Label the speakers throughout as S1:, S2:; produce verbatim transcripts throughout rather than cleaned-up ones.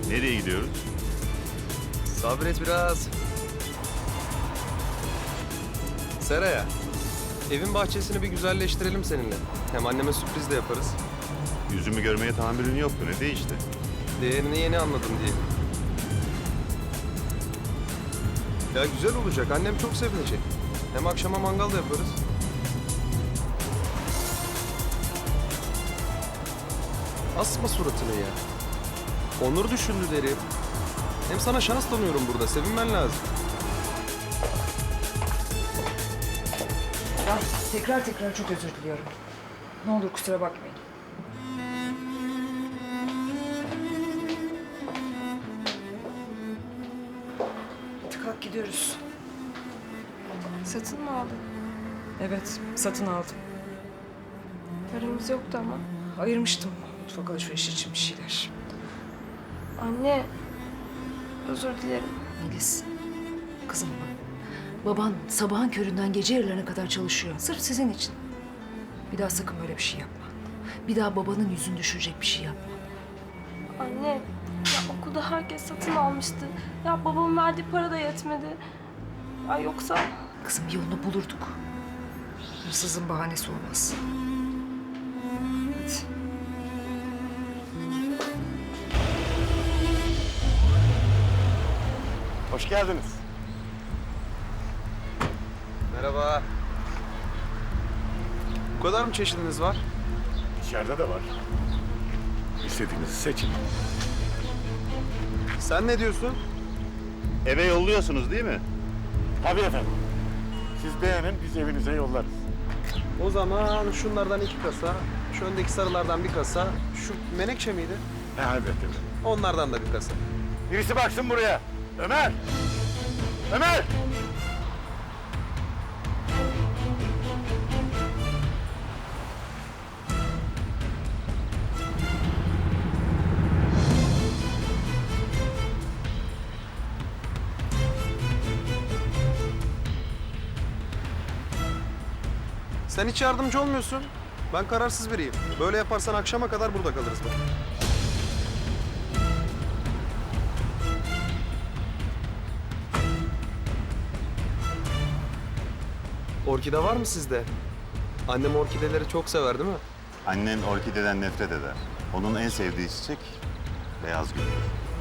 S1: Nereye gidiyoruz?
S2: Sabret biraz. Seraya. Evin bahçesini bir güzelleştirelim seninle. Hem anneme sürpriz de yaparız.
S1: Yüzümü görmeye tahammülün yoktu. Ne değişti?
S2: Değerini yeni anladım diye. Ya güzel olacak. Annem çok sevinecek. Hem akşama mangal da yaparız. Asma suratını ya. Onur düşündü derim. Hem sana şans tanıyorum burada. Sevinmen lazım.
S3: Ya tekrar tekrar çok özür diliyorum. Ne olur kusura bakmayın. Hadi kalk gidiyoruz.
S4: Satın mı aldın?
S3: Evet, satın aldım.
S4: Paramız yoktu ama.
S3: Ayırmıştım mutfak alışverişi için bir şeyler.
S4: Anne, özür dilerim.
S5: Melis, kızım bak. Baban sabahın köründen gece yarılarına kadar çalışıyor. Sırf sizin için. Bir daha sakın böyle bir şey yapma. Bir daha babanın yüzünü düşürecek bir şey yapma.
S4: Anne, ya okulda herkes satın almıştı. Ya babamın verdiği para da yetmedi. Ya yoksa...
S5: Kızım bir yolunu bulurduk.
S3: Hırsızın bahanesi olmaz. Hadi.
S6: Hoş geldiniz.
S2: Merhaba. Bu kadar mı çeşidiniz var?
S6: İçeride de var. İstediğinizi seçin.
S2: Sen ne diyorsun?
S1: Eve yolluyorsunuz değil mi?
S6: Tabii efendim. Siz beğenin, biz evinize yollarız.
S2: O zaman şunlardan iki kasa, şu öndeki sarılardan bir kasa, şu menekşe miydi?
S6: He, elbette efendim.
S2: Onlardan da bir kasa.
S6: Birisi baksın buraya. Ömer! Ömer!
S2: Sen hiç yardımcı olmuyorsun. Ben kararsız biriyim. Böyle yaparsan akşama kadar burada kalırız bak. Orkide var mı sizde? Annem orkideleri çok sever değil mi?
S1: Annen orkideden nefret eder. Onun en sevdiği çiçek beyaz güldür.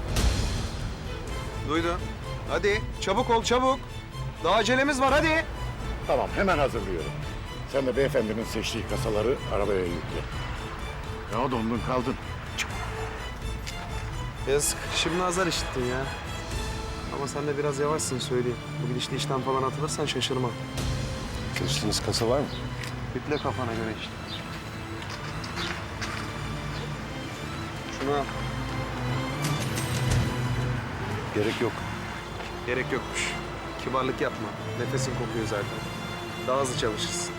S2: Duydun. Hadi çabuk ol çabuk. Daha acelemiz var hadi.
S6: Tamam, hemen hazırlıyorum. Sen de beyefendinin seçtiği kasaları arabaya yükle. Ya dondun kaldın.
S2: Yazık. Şimdi azar işittin ya. Ama sen de biraz yavaşsın söyleyeyim. Bu gidişle işten falan atılırsan şaşırmam.
S6: Seçtiğiniz kasa var mı?
S2: Yükle kafana göre işte. Şunu al.
S6: Gerek yok.
S2: Gerek yokmuş. Kibarlık yapma. Nefesin kokuyor zaten. Daha hızlı çalışırsın.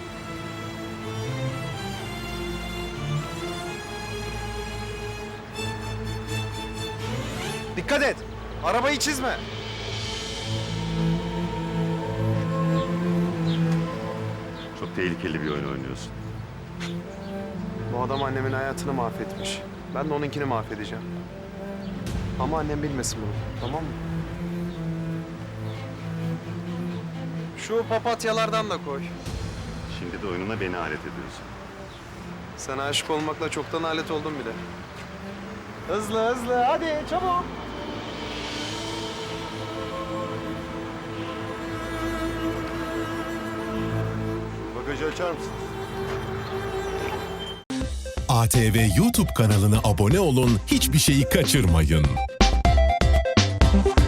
S2: Dikkat et. Arabayı çizme.
S1: Çok tehlikeli bir oyun oynuyorsun.
S2: Bu adam annemin hayatını mahvetmiş. Ben de onunkini mahvedeceğim. Ama annem bilmesin bunu. Tamam mı? Şu papatyalardan da koy.
S1: Şimdi de oyununa beni alet ediyorsun.
S2: Sen aşık olmakla çoktan alet oldun bile. Hızlı hızlı hadi çabuk.
S6: Bagajı açar mısın?
S7: A T V YouTube kanalına abone olun, hiçbir şeyi kaçırmayın.